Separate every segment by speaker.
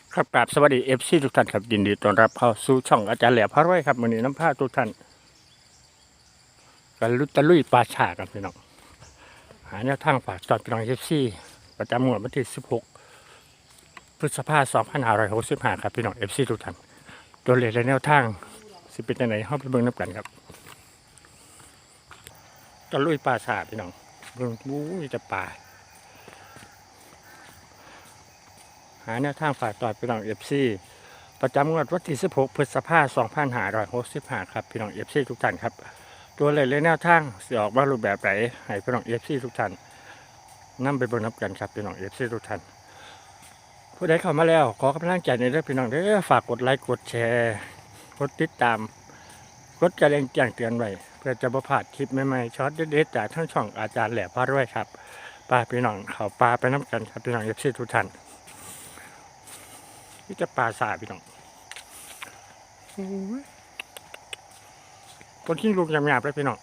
Speaker 1: ครับกราบสวัสดีFCทุกท่านครับยินดีต้อนรับเข้าสู่ช่องอาจารย์แหล่พระร้อยครับมื้อนี้น้ำผ้าทุกท่านกันลุตะลุยปลาฉากันพี่น้องหาแนวทางฝากจอดพี่น้อง FC ประจำงวดวันที่16พฤษภาคม2565ครับพี่น้อง FC ทุกท่านตัวเลขและแนวทางสิเป็นจังได๋เฮาไปเบิ่งนำกันครับตะลุยปลาฉาพี่น้องเบิ่งมีแต่ปลาหาแนวทางฝากจอดพี่น้อง FCประจำงวดวันที่16พฤษภาคม2565ครับพี่น้อง FC ทุกท่านครับตัวเลขและแนวทางสิออกมารูปแบบไหนให้พี่น้อง FC ทุกท่านนำไปเบิ่งนำกันครับพี่น้อง FC ทุกท่านผู้ใดเข้ามาแล้วขอกำลังใจในเด้อพี่น้องเด้อฝากกดไลค์กดแชร์กดติดตามกดกระดิ่งแจ้งเตือนไว้เพื่อจะบ่พลาดคลิปใหม่ๆช็อตเด็ดๆจากทั้งช่องอาจารย์แหล่พารวยครับป้าพี่น้องเข้าปลาไปนำกันครับพี่น้อง FC ทุกท่านนี่จะปลาสาพี่น้องคนขี้ลูกยำๆเลยพี่น้อง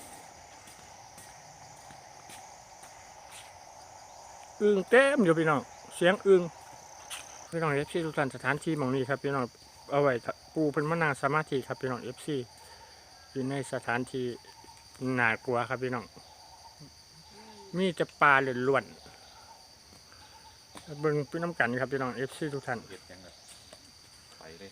Speaker 1: อึ่งเต็มอยู่พี่น้องเสียงอึ่งพี่น้อง FC ทุกท่านสถานที่หม่องนี้ครับพี่น้องเอาไว้ปูเป็นมะนาวสมาธิครับพี่น้อง FC อยู่ในสถานที่น่ากลัวครับพี่น้องมีจะปลาล้วนๆเบิ่งพี่น้ำกันครับพี่น้อง FC ทุกท่าน
Speaker 2: เห็ดยังไงไปเลย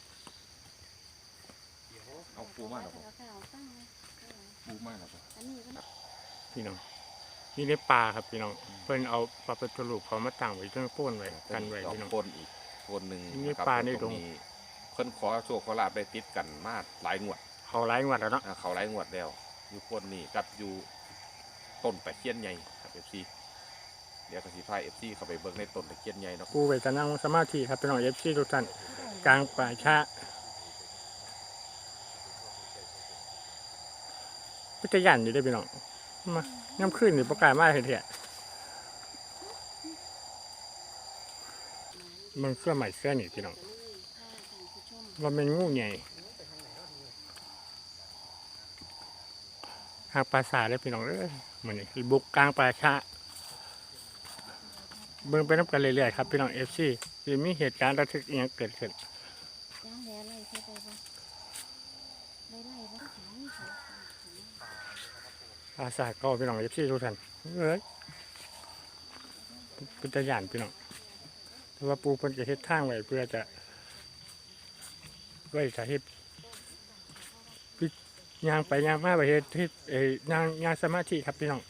Speaker 2: เอาปูมาหรอปูมาหรอ
Speaker 1: พี่น้องนี่ได้ปลาครับพี่น้องเพิ่นเอาปลาเป็นตัวลูกเขามาตั้งไว้จนโป้นไว้กันไว้พี่น้อง
Speaker 2: ปนอีกคนหนึ่ง
Speaker 1: นี่ปลาในดง
Speaker 2: เพิ่นขอโชคขอลาบได้ติดกันมาหลายงวด
Speaker 1: เขาไล่งวดแล้วเนาะ
Speaker 2: เขาหลายงวดแล้วอยู่คนนี้กับอยู่ต้นตะเคียนใหญ่ครับFCเดี๋ยวกสิพาFCเข้าไปเบิ่งในต้นตะเคียนใหญ่เนาะ
Speaker 1: ปูไว้จะนั่งสมาธิครับพี่น้อง FC ทุกท่านกลางป่าช้าพิจยันอยู่ได้พี่น้องมาย่ำขึ้นนี่ประกาศมาเห็นเถอะมันเสื้อใหม่เสื้อนี่พี่น้องว่าเป็นงูใหญ่หางปลาสาเลยพี่น้องเลยเหมือนนี่บุกกลางป่าช้าเบิ่งไปน้ำกันเรื่อยๆครับพี่น้อง FC จะมีเหตุการณ์ระทึกอย่างเกิดขึ้นปลาสาก็พี่น้อง FC ทุกท่านเอ้ยพิจยันพี่น้องแต่ว่าปูเพิ่นจะเฮ็ดทางไว้เพื่อจะไว้ถ้าเฮ็ดย่างไปย่างมาไปเฮ็ดย่างสมาธิครับพี่น้อง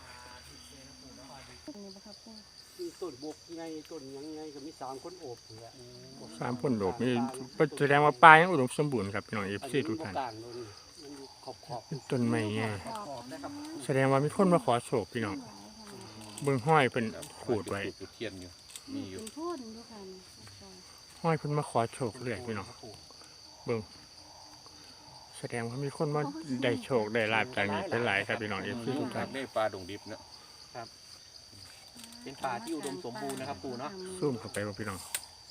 Speaker 3: ต้นบกไงต้นยังไงก็มี3 คนโอบเหลือ
Speaker 1: 3 คนโดดนี่แสดงว่าปลายังอุดมสมบูรณ์ครับพี่น้อง FC ทุกท่านต้นไม้ไงแสดงว่ามีคนมาขอโชคพี่น้องเบิ่งห้อยเพิ่นขูดไว้
Speaker 2: เทียนอยู่มีอยู่
Speaker 1: ห้อยเพิ่นมาขอโชคเรื่อยพี่น้องเบิ่งแสดงว่ามีคนมาได้โชคได้ลาภจากนี้เป็นหลายครับพี่น้อง FC ทุกท่าน
Speaker 2: ได้ปลาดงดิบเนาะ
Speaker 3: เป็นป่าที่อุดมสมบูรณ์นะครับปู่เนาะ
Speaker 1: ซูมเข้าไปว่าพี่น้อง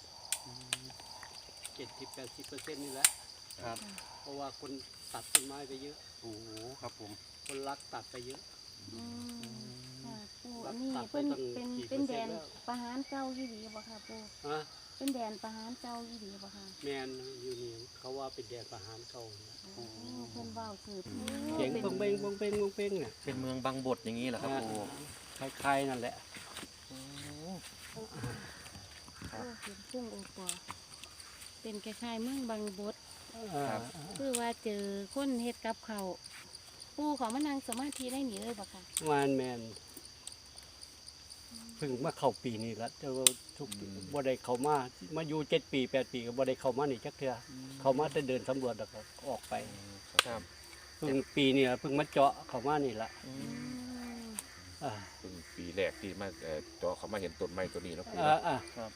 Speaker 3: 70-80%นี่แหละครับเพราะว่าคนตัดต้นไม้ไปเยอะ
Speaker 2: โอ้ครับผม
Speaker 3: คนรักตัดไปเยอะ
Speaker 4: ปู่อันนี้เป็นแดนประหารเจ้ายี่ดีบ่ค่ะปู่เป็นแดนประหารเจ้ายี่ดีบ่ค่ะ
Speaker 3: แมนอยู่นี่เขาว่าเป็นแดนประหารเก่า
Speaker 4: เพิ่นเว้าสืบ
Speaker 3: เสียงบงเบงเนี่ย
Speaker 2: เป็นเมืองบางบดอย่างนี้เหรอครับปู่
Speaker 3: คล้ายๆนั่นแหละ
Speaker 4: เป็นพุ่งโอปอเป็นคล้ายๆเมืองบางบดคือว่าเจอคนเฮ็ดกับเขาปู่ขอมานั่งสมาธิได้หนีเลยบ่ค่ะ
Speaker 3: แมนเพิ่งมาเข้าปีนี้แล้วแต่ว่าทุกบ่ได้เข้ามาอยู่7 ปี8 ปีก็บ่ได้เข้ามานี่จักเทื่อเข้ามาแต่เดินสำรวจแล้วก็ออกไป
Speaker 2: ครับ
Speaker 3: เพิ่งปีนี้เพิ่งมาเจาะเข้ามานี่ละ
Speaker 2: เพิ่งปีแรกที่มาเจาะเขามาเห็นต้นไม้ตัวนี้แล้วปู่
Speaker 3: ครับ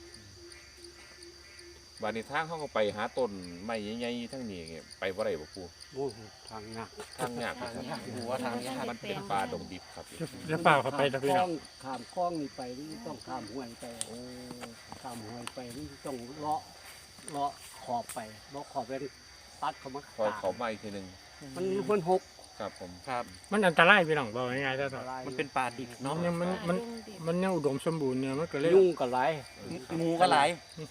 Speaker 2: วันนี้ทางเขาก็ไปหาต้นไม้ใหญ่ๆทั้งนี้ไปบ่ได้บ่ปู่
Speaker 3: โอ้ทางยาก
Speaker 2: ปู่ว่าทางยากมันเป็นป่าดงดิบครับ
Speaker 1: แล้วเปล่าเข้าไปนะพี่น้อง
Speaker 3: ข้ามคลองนี่ไปนี่ต้องข้ามห้วยไปข้ามห้วยไปนี่ต้องเลาะขอบไปเลาะขอบแล้วตัดเข้ามา
Speaker 2: เขามาอีกทีนึง
Speaker 3: มันหก
Speaker 2: ครับผม
Speaker 5: ครับ
Speaker 1: มันอันตรายพี่น้องบอกง่ายๆซะ
Speaker 5: มันเป็นป่าดิบเนาะ
Speaker 1: มันยังอุดมสมบูรณ์เนี่ยมันก็เลย
Speaker 3: ยุ่งก็หลาย
Speaker 5: งูก็หลาย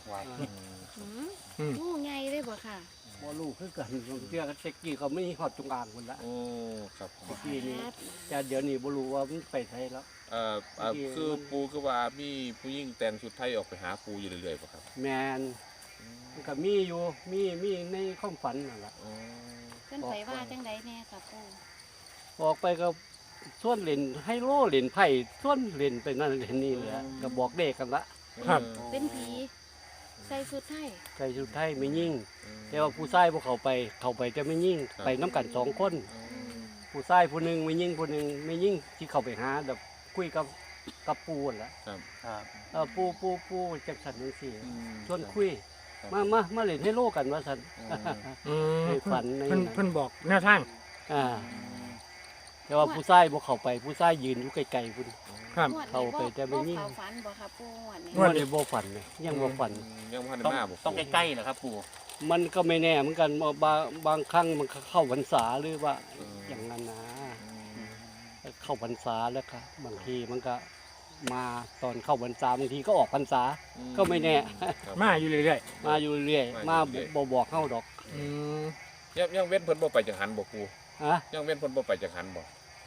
Speaker 4: งูใหญ่เลยบ่ค่ะ
Speaker 3: บ่รู้คือกันเชื่อกันเต็กกี้เขาไม่ฮอดจงอางพุ่นละ
Speaker 2: โอ้ครับผม
Speaker 3: เต็กกี้นี่แต่เดี๋ยวนี้บ่รู้ว่ามันไปไสแล้ว
Speaker 2: คือปูคือว่ามีผู้หญิงแต่งชุดไทยออกไปหาปูอยู่เรื่อยๆป่ะครับ
Speaker 3: แม่นมันก็มีอยู่มีในความฝันนั่นล่ะ
Speaker 2: อ๋อ
Speaker 4: เพิ่นไปว่าจังไดแน่ค่ะปู่
Speaker 3: ออกไปก็ส่วนเล่นไฮโลเล่นไพ่ส่วนเล่นไปนั่นเล่นนี่แหละก็บอกเด็กกันละ
Speaker 1: ครับ
Speaker 4: เป็นผีใส่ชุดไทย
Speaker 3: ใจสุดท้ายไม่ยิ่ง แต่ว่าผู้ชายพวกเขาไปจะไม่ยิ่งไปน้ำกันสองคน ผู้ชายผู้หนึ่งไม่ยิ่งผู้หนึ่งไม่ยิ่งที่เขาไปหาแบบคุยกับปูนั่นแหละ
Speaker 2: ครับ
Speaker 5: ครับ
Speaker 3: ปูจังสันจังสี่
Speaker 2: อืม
Speaker 3: ชวนคุย
Speaker 2: ครับ
Speaker 3: มาเล่นให้โลกกันว่าสัน
Speaker 1: อืม
Speaker 3: ให้ฝันใน
Speaker 1: เพิ่นบอกแนวทาง
Speaker 3: อ่าแต่ว่าผู้ชายพวกเขาไปผู้ชายยืนอยู่ไกลๆพุ่น
Speaker 1: ครับ
Speaker 4: งวดนี้
Speaker 3: เข้าไปแต่ไม่ยิ่ง
Speaker 4: บ่เข้าฝันบ่ค่ะปู่งวดนี้
Speaker 3: ว่าในบ่ฝันเลยยังบ่ฝัน
Speaker 2: ยังพัน
Speaker 5: ต้อง
Speaker 2: มาบอก
Speaker 5: ต้องใกล้ๆเหรอครับปู่
Speaker 3: มันก็ไม่แน่เหมือนกันบางครั้งมันก็เข้าพรรษาหรือว่าอย่างนั้นนะเข้าพรรษาแล้วครับบางทีมันก็มาตอนเข้าพรรษาบางทีก็ออกพรรษา ก็ไม่แน่
Speaker 1: มาอยู่เรื่อย
Speaker 3: มาอยู่เรื่อยมาบอกเข้าดอก
Speaker 1: ๆอืม
Speaker 2: ยังเว้นเพิ่นบ่ไปจังหันบ่ปู
Speaker 3: ฮะ
Speaker 2: ยังเว้นเพิ่นบ่ไปจังหันบ่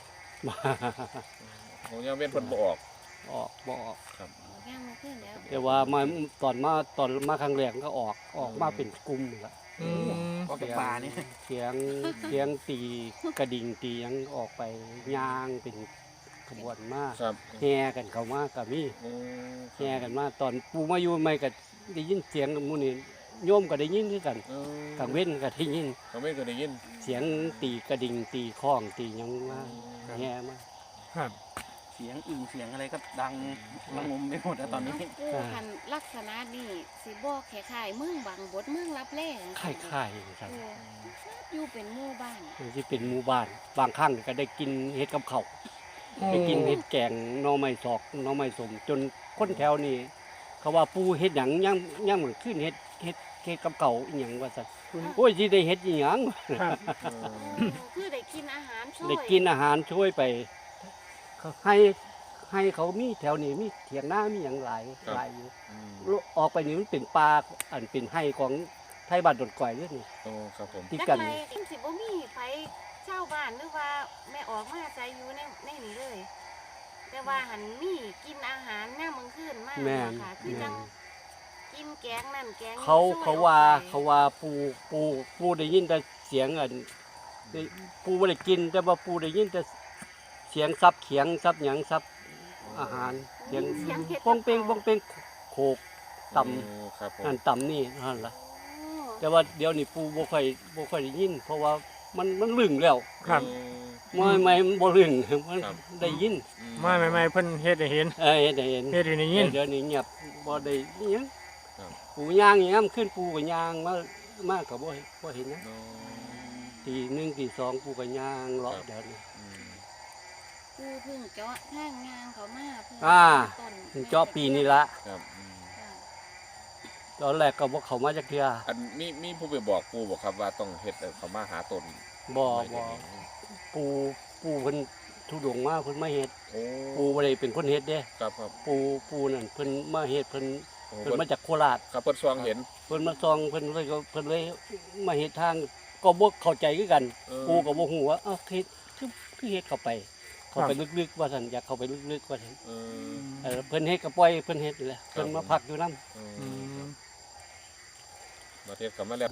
Speaker 2: โอ้ยังเว้นเพิ่นบ่ออก
Speaker 3: ออกบอก
Speaker 4: ย่างมาขึ้นแล้ว
Speaker 3: แต่ว่ามาตอนมาครั้งแรกก็ออกมาเป็นกลุ่มละ
Speaker 1: อืม
Speaker 5: ก็เป็นป่านี่
Speaker 3: เสียงตีกระดิ่งตีหยังออกไปย่างเป็นขบวนมาก
Speaker 2: ครับ
Speaker 3: แห่กันเข้ามากับมี
Speaker 2: โอ้
Speaker 3: แห่กันมาตอนปูมาอยู่ใหม่ก็ได้ยินเสียงหมู่นี่โยมก็ได้ยินคือกันกลางเว้นก็ได้ยิน
Speaker 2: เขาไม่เคยได้ยิน
Speaker 3: เสียงตีกระดิ่งตีข้องตีหยังมาแห่มา
Speaker 1: ครับ
Speaker 5: เสียงอึ่งเสียงอะไรก็ดังระงมไปหมดแล้วตอนนี้
Speaker 4: ปู่คันลักษณะนี่สิบอกคล้ายๆเมืองบางบดเมืองรับแล
Speaker 3: ค่ายๆครับ
Speaker 4: อยู่เป็นหมู่บ้าน
Speaker 3: มันสิเป็นหมู่บ้านบางครั้งก็ได้กินเห็ดกับข้าวได้กินเห็ดแกงหน่อไม้สอกหน่อไม้สมจนคนแถวนี้เขาว่าปูเห็ดหยังย่างเหมือนขึ้นเห็ดกับเก่าอีหยังว่าซั่นโอ้ยสิได้เห็ดอีหยัง
Speaker 1: ครับ
Speaker 4: คือได้กินอาหารช่วย
Speaker 3: ได้กินอาหารช่วยไปเขาให้เขามีแถวนี้มีเถียงนามีหยังหลายอยู่ออกไปนี่มันเป็นป่าอันเป็นไร่ของไทยบ้านดอนก่อยเด้อนี่
Speaker 2: โอ้ครับผม
Speaker 3: ที่
Speaker 4: จัก
Speaker 3: กัน
Speaker 4: ไรสิบ่มีไผเช่าบ้านหรือว่าแม่ออกมาใจอยู่ในนี้เลย แต่ว่าหันมีกินอาหารหน้ามึงขึ้นมาก
Speaker 3: แม่น
Speaker 4: ค่ะคือจังกินแกงนั่นแกงนี่
Speaker 3: เขา
Speaker 4: ช่ย
Speaker 3: เขาว่าปูได้ยินแต่เสียงอันปูไม่ได้กินแต่ว่าปูได้ยินแต่เสียงซับเขียงซับหยังซับอาหารเสียง
Speaker 4: เสียงเฮ็ด
Speaker 3: ป้องเป้งโขกต่
Speaker 2: โอ้ครับผม
Speaker 3: ำนั่นต่ำนี่นั่นล่ะ
Speaker 4: โอ้
Speaker 3: แต่ว่าเดี๋ยวนี้ปูบ่ค่อยได้ยิน เพราะว่ามันลึงแล้ว
Speaker 1: ครับ
Speaker 3: ไม่มันบ่ลึงมันได้ยิน
Speaker 1: มาใหม่ๆเพิ่นเฮ็ดให้เห็น
Speaker 3: ได้เห็น
Speaker 1: เฮ็ดให้ได้ยิน
Speaker 3: เดี๋ยวนี้เงียบบ่ได้อิหยัง
Speaker 2: ครับ
Speaker 3: ปูย่างอย่างนั้นขึ้นปูก็ย่างมาก็บ่เห็นนะ
Speaker 2: โอ้
Speaker 3: ตีหนึ่งตีสองปูก็ย่างเลาะ
Speaker 2: ครับ
Speaker 3: เดี๋ยวนี้
Speaker 4: ปูเพิ่งเจาะทางงานเขามาเพิ่ง
Speaker 3: อ่า
Speaker 4: ต้น
Speaker 3: เจาะปีนี้ละ
Speaker 2: ครับ
Speaker 4: ค่ะ
Speaker 3: ตอนแรกก็บ่เข้ามาจักเทื่อ
Speaker 2: อันมีผู้ไปบอกปูบอกครับว่าต้องเฮ็ดเขามาหาตน
Speaker 3: บ่
Speaker 2: ไม่เฮ็ดเอง
Speaker 3: ปูเพิ่นทุดงมาเพิ่นมาเฮ็ด
Speaker 2: โอ้
Speaker 3: ปูบ่ได้เป็นคนเฮ็ดเด้
Speaker 2: ครับครับ
Speaker 3: ปูนั่นเพิ่นมาเฮ็ดเพิ่น
Speaker 2: โอ้
Speaker 3: เพิ่นมาจากโคราช
Speaker 2: ครับเพิ่นซองเห็น
Speaker 3: เพิ่นมาซองเพิ่นเลยมาเฮ็ดทางก็บ่เข้าใจคือกัน ปูก็บ่ฮู้ว่าเอ้าเฮ็ดคือเฮ็ดเข้าไปลึกๆว่าซั่นอยากเข้าไปลึกๆว่าซั่น เพิ่นเฮ็ดก็ปล่อยเพิ่นเฮ็ดนี่แหละเพิ่นมาพักอยู่นำ
Speaker 1: อืม
Speaker 2: มาเทศกลับมาแล้ว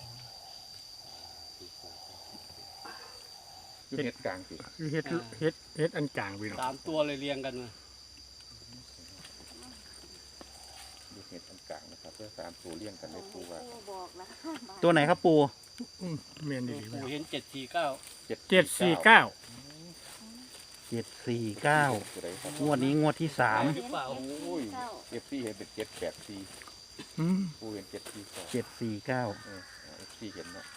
Speaker 2: อยู่เฮ็ดกลางสิ
Speaker 1: คือเฮ็ดอันกลางพี่น้อง
Speaker 3: 3ตัวเลยเรียงกันมา
Speaker 2: อยู่เฮ็ดอันกลางนะครับเพื่อ3ตัวเลี้ยงกันได้ปูว่า
Speaker 4: ปูบอกแล้ว
Speaker 5: ตัวไหนครับปู่
Speaker 1: อืมแม่นดี
Speaker 3: ปู
Speaker 1: ๆ
Speaker 3: เห็น749
Speaker 1: 749
Speaker 5: 749
Speaker 2: ตัวใดครับ
Speaker 5: งวดนี้งวดที่
Speaker 3: หรือเปล่า
Speaker 2: โอ้ย FC เห็นเป็น784
Speaker 1: อืม
Speaker 2: ปูเห็น749
Speaker 5: 749
Speaker 2: FC เห็นเนาะ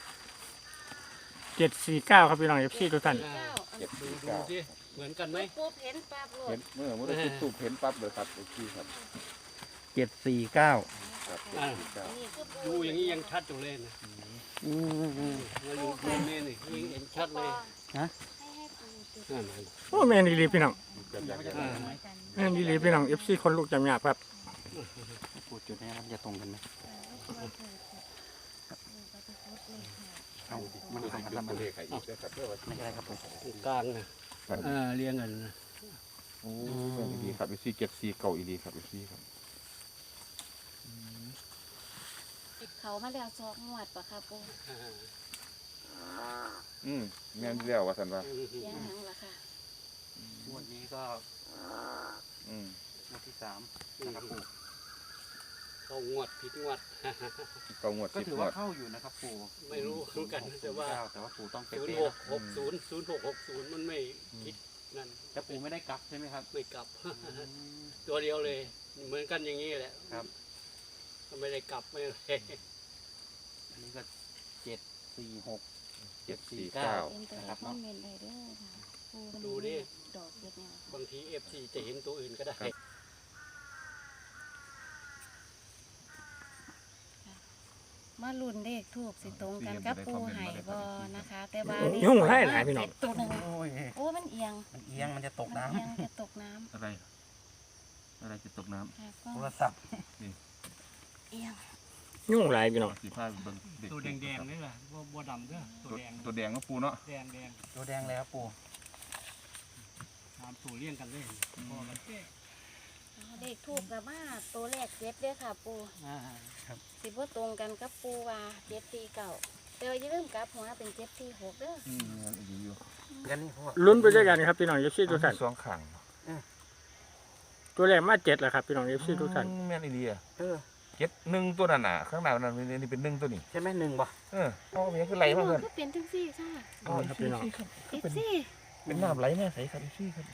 Speaker 1: 749ครับพี่น้อง FC ทุกท่าน
Speaker 3: ดูสิเหมือนกันไหม
Speaker 4: ปุ๊บเห็นปั๊บโล
Speaker 2: เห็
Speaker 4: ด
Speaker 2: นเมื่อจุดทูบเห็นปั๊บเลยครับ FC ครับ
Speaker 5: 749
Speaker 2: ครับ
Speaker 3: อ่า
Speaker 4: นี่คือ
Speaker 3: ดูอย่างนี้ยังชัดอยู่เลยนะมาอยู่ตรงนี้นี่ยังเห็นชัดเลย
Speaker 4: ให้ปูจุด
Speaker 3: นั่น
Speaker 1: โอ้แม่นดีพี่น้อง
Speaker 3: อ่า
Speaker 1: แม่นดีพี่น้อง FC คนลูกจำยากครับ
Speaker 5: ปูจุดนี้มันจะตรงกันไหมเอามันตรงกันแล้วมัน
Speaker 2: เลขให้อีกด้วยครับเพื่อว่า
Speaker 5: ไม่ใช่ครับผม
Speaker 3: ตรงกลางนะเรียงกันนะ
Speaker 2: โอ้แม่นดีครับFC เก็บซีเก่าอีดีครับ FC ครับ
Speaker 4: เขามาแล้วสองงวดปะค่ะปู
Speaker 2: แม่นแล้วว่าซั่นว่า
Speaker 4: เสียงหยังล่ะค่ะ
Speaker 5: งวดนี้ก็งวดที่3นะครับปู่
Speaker 3: เขางวดผิดงวด
Speaker 2: เก่างวด
Speaker 5: ก็
Speaker 2: 10
Speaker 5: ถือง
Speaker 2: ว
Speaker 5: ว่า
Speaker 2: ด
Speaker 5: เข้าอยู่นะครับปู่
Speaker 3: ไม่รู้เหมือนกันแต่ว่า
Speaker 5: แต่ว่าปู่ต้องเป๊
Speaker 3: ศูนย์
Speaker 5: ะ
Speaker 3: ห
Speaker 5: ๆ
Speaker 3: กหกศูนย์0660มันไม่คิดนั่น
Speaker 5: แต่ปู่ไม่ได้กลับใช่ไหมครับ
Speaker 3: ไม่กลับ ตัวเดียวเลย เหมือนกันอย่างนี้แหละ
Speaker 5: ครับ
Speaker 3: ไม่ได้กลับไม่อะไร
Speaker 5: อันนี้ก็746 749
Speaker 4: เป็นตัว
Speaker 5: นะครับ
Speaker 4: คอ
Speaker 5: เนาะ
Speaker 4: มเมนต์ได้เด้อค่ะปูมัน
Speaker 3: ดูดิ
Speaker 4: ดอกเด็ดเนี่ย
Speaker 3: บางที FC จะเห็นตัวอื่นก็ได้
Speaker 4: มาลุ้นเลขทูบสิตรงกันกับปูไห่บอนะคะ แต่ว่า
Speaker 1: ยุ่งหลายพี่น้อง
Speaker 4: เจ็ดตัวหนึ่ง
Speaker 5: โอ้ย
Speaker 4: โอ้มันเอียง
Speaker 5: มันเอียงมันจะตก
Speaker 4: มัน
Speaker 5: น้ำ
Speaker 4: เอียงจะตกน้ำ
Speaker 2: อะไรจะตกน้
Speaker 4: ค่ะก็
Speaker 5: โทรศัพท์
Speaker 4: เอียง
Speaker 1: ยุ่งหลายพี่น้อง
Speaker 2: ำสีผ้าเบิ่งเด็ก
Speaker 3: ตัวแดงๆนี่แหละบัวดำเด้อตัวแดง
Speaker 2: ตัวแดงก็ปูเนาะ
Speaker 3: แดง
Speaker 5: ตัวแดงเลยครับปู่
Speaker 3: ตามตัวเลี้ยงกันเลยพอกันเจ๊
Speaker 4: เลขทูบกับมาตัวแรกเจ็ดเด้อค่ะ ปู
Speaker 5: ครับ
Speaker 4: สิบ่ตรงกันกับปูว่าเจ็ดสี่เก่าแต่ว่าอย่าลืมกลับหัวเป็นเจ็ดสี่หกเด้อ
Speaker 2: ดีอยู่
Speaker 5: กันนี่พ่อ
Speaker 1: ลุ้นไปด้วยกันครับพี่น้อง FC ทุกท่าน
Speaker 2: สองข้าง
Speaker 1: ตัวแรกมา7แล้วครับพี่น้อง FC ทุกท่าน
Speaker 2: แม่นอีดีอ่ะ
Speaker 5: เออ
Speaker 2: 1ตัวนั่นน่ะข้างหน้านั่นนี่เป็น1ตัวนี่
Speaker 5: ใช่ไหม1ป่ะ
Speaker 2: อ๋อมันคือไหลมาเพิ่น
Speaker 4: คือเป็นทั้งสี่ค่ะ
Speaker 1: อ๋อครับพี่น้อง
Speaker 4: เจ็ดสี่
Speaker 2: เป็นน้ำไหลแม่ใสครับพี่ครับ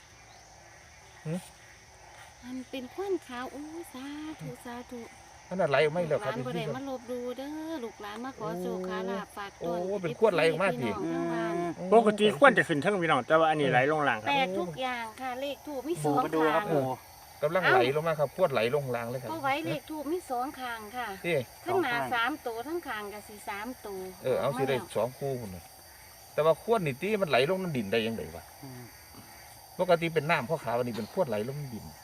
Speaker 4: มันเป็นควันขาวโอ้สาธุสาธุ
Speaker 2: ขนาดไหลออกไม่แล้วค
Speaker 4: ห
Speaker 2: รับ
Speaker 4: ลานบ่
Speaker 2: พี่
Speaker 4: ได้
Speaker 2: ครับ
Speaker 4: มาลบดูเด้อลูกหลานมาขอโชคขอลาภฝากต้น
Speaker 2: โอ้เป็นขวดไหลออกมาสิ
Speaker 4: พี่น้องทั้งบ้าน
Speaker 1: ปกติควรจะขึ้นทั้งพี่น้องแต่ว่าอันนี้ไหลลงล่างค
Speaker 4: แป
Speaker 1: รับ
Speaker 4: ลกทุกอย่างค่ะเลขทูบมีส
Speaker 5: ปู่
Speaker 4: อง
Speaker 5: มาดูค
Speaker 4: ข้า
Speaker 5: รับ
Speaker 4: ง
Speaker 5: ปู่
Speaker 2: กำลังไหลลงมาครับขวดไหลลงล่างเลยครับ
Speaker 4: ก็ไว้เลขทูบมีสองข้างค่ะ
Speaker 2: นี่
Speaker 4: ทั้งหน้าสามตัวทั้งข้างก็สิสามตัว
Speaker 2: เอาสิได้2คู่พุ่นน่ะแต่ว่าขวดนี่ติมันไหลลงน้ำดินได้ยังไงวะ ปกติเป็นน้ำขาวๆอันนี้เป็นขวดไหลลงดิน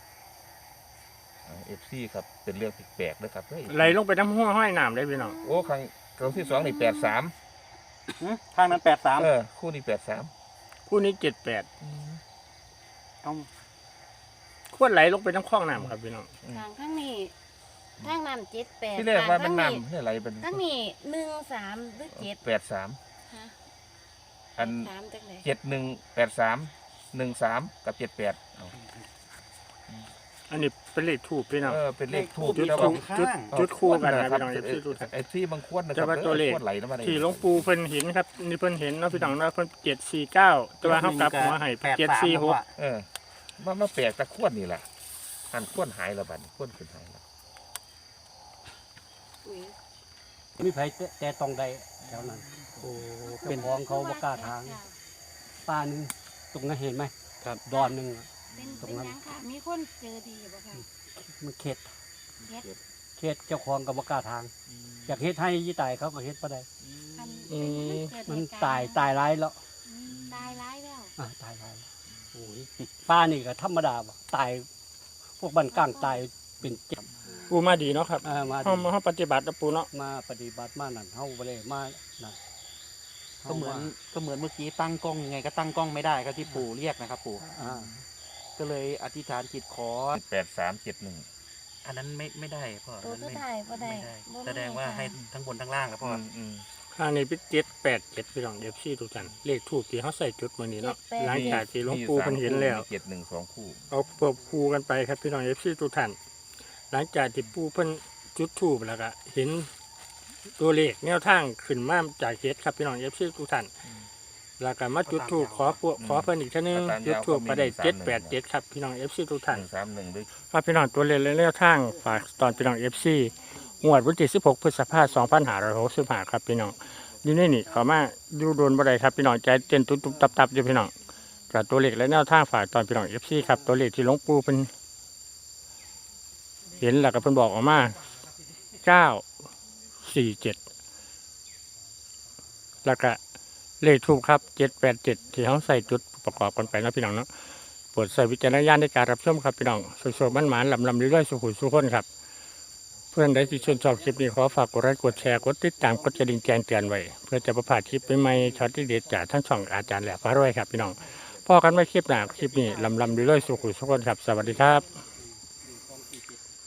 Speaker 2: FC ครับเป็นเรื่องแปลกๆนะครับเฮ้ย
Speaker 1: ไหลลงไปน้ำห้วยห้อยน้ำได้พี่น้อง
Speaker 2: โอ้ครั้งที่2นี่83
Speaker 5: ข้างนั้น83
Speaker 2: คู่นี้83
Speaker 1: คู่นี้78
Speaker 5: ต้อง
Speaker 1: ควรไหลลงไปน้ำคลองน้ำครับพี่น้อง
Speaker 4: ข้างทั้งนี้ทั้งนั้น78
Speaker 2: ที่แรกว่ามัน
Speaker 4: ข้าง
Speaker 2: น้ำให้ไหลเป็น
Speaker 4: ทั้งนี้13หรือ7
Speaker 2: 83
Speaker 4: ฮะ
Speaker 2: อัน
Speaker 4: 3จังได๋
Speaker 2: 7183 13กับ78เอา
Speaker 1: อันนี้เป็นเลขทูบพี่น้อง
Speaker 2: เป็นเลขทูบ
Speaker 1: จุด
Speaker 2: แต่
Speaker 1: ทู
Speaker 2: ว่า
Speaker 1: บจุดคู่กันนะ
Speaker 2: ครั
Speaker 1: พี่น้อง FC ทุกท่าน
Speaker 2: ไอ้ที่บางขวดนะค
Speaker 1: แต่
Speaker 2: รับ
Speaker 1: ว่าตัวเลข
Speaker 2: ขวดไหลลงมาได้
Speaker 1: ที่หลวงปู่เพิ่นเห็นครับนี่เพิ่นเห็นเนาะพี่น้องเนาะเพิ่น749แต่ว่าเฮากลับหัวให้746
Speaker 2: มาแปลกแต่ขวดนี่แหละอันขวดหายแล้วบัดนี้ขวดขึ้นหายแล้ว
Speaker 4: อุ๊ย
Speaker 3: มีไผแต่ตรงใดแถวนั้นโอ้เป็นของเขาบ่กล้าทางป้านึงตรงนั้นเห็นไหมครับดอนหนึงอะ
Speaker 4: เป็น
Speaker 3: ตรง
Speaker 4: เป็น
Speaker 3: นั้น
Speaker 4: หยังค่ะมีคนเจอดีบ่ค่ะ
Speaker 3: มันเข็ด
Speaker 4: เฮ็ด
Speaker 3: เข็ดเจ้าของก็บ่กล้าทาง อยากเฮ็ดให้ยี่ตายเขาก็เฮ็ดบ่ได้
Speaker 4: อัน
Speaker 1: อืม
Speaker 4: เกิด
Speaker 3: มัน
Speaker 4: เหตุกรณ์
Speaker 3: ตายร้ายแล้ว
Speaker 4: ตายร้ายแล้ว
Speaker 3: ตายร้ายแล้วโอ้ยป้านี่ก็ธรรมดาบ่ตายพวกบ้านกลางตายเป็นเจ็บ
Speaker 1: ปู่มาดีเนาะครับ
Speaker 3: มา
Speaker 1: เฮาปฏิบัตินะปู่เนาะ
Speaker 3: มาปฏิบัติมานั่นเฮาบ่ได้มานั่น
Speaker 5: ก็เหมือนเมื่อกี้ตั้งกล้องยังไงก็ตั้งกล้องไม่ได้ครับที่ปู่เรียกนะครับปู่
Speaker 3: อ่า
Speaker 5: ก็เลยอธิษฐานจิตขอ
Speaker 2: 8371
Speaker 5: อันนั้นไม่ได้พ่อ
Speaker 4: ตัว
Speaker 5: อัน
Speaker 4: สุ
Speaker 5: นั้น
Speaker 4: ดท้ายบ่ได้
Speaker 5: ไม่ได้
Speaker 4: บ่
Speaker 5: แสดงว่าให้ทั้งบนทั้งล่างครับพ่อ
Speaker 1: อันนี้เป็น787พี่น้อง FC ทุกท่านเลขทูบที่เฮาใส่จุดมื้อนี้เนาะหลังจากที่หลวงปู่เพิ่นเห็นแล้ว
Speaker 2: 71 2คู่
Speaker 1: เอาเปิบคู่กันไปครับพี่น้อง FC ทุกท่านหลังจากที่ปู่เพิ่นจุดธูปแล้วก็เห็นตัวเลขแนวทางขึ้นมาจากเฮ็ดครับพี่น้อง FC ทุกท่านแล้วก็มาจุดธูปขอเพิ่นอีกเทื่อนึงจุดธูปก็ได้787ครับพี่น้อง FC ทุกท่าน
Speaker 2: 131ด้วย
Speaker 1: ครับพี่น้องตัวเลขและแนวทางฝากตอนพี่น้อง FC งวดวันที่16พฤษภาคม2565ครับพี่น้องอยู่ในนี่เขามาอยู่โดนบ่ได้ครับพี่น้องใจเต้นตุ๊บๆตับๆอยู่พี่น้องกับตัวเลขและแนวทางฝากตอนพี่น้อง FC ครับตัวเลขที่หลวงปู่เพิ่นเห็นแล้วก็เพิ่นบอกออกมาคแล้วก็เลขทูปครับ787ที่เขาใส่จุดประกอบกันไปนะพี่น้องเนาะโปรดใส่วิจารณญาณในการรับชมครับพี่น้องสวยๆมันๆลำๆเรื่อยๆสุขุมสุขคนครับเพื่อนใดที่ชื่นชอบคลิปนี้ขอฝากกดไลค์กดแชร์กดติดตามกดกระดิ่งแจ้งเตือนไว้เพื่อจะประพลาดคลิปใหม่ๆช็อตที่เด็ดจากทั้งช่องอาจารย์แหลมพระรวยครับพี่น้องพอกันไว้คลิปหน้าคลิปนี้ลำๆเรื่อยๆสุขุมสุขคนครับสวัสดีครับ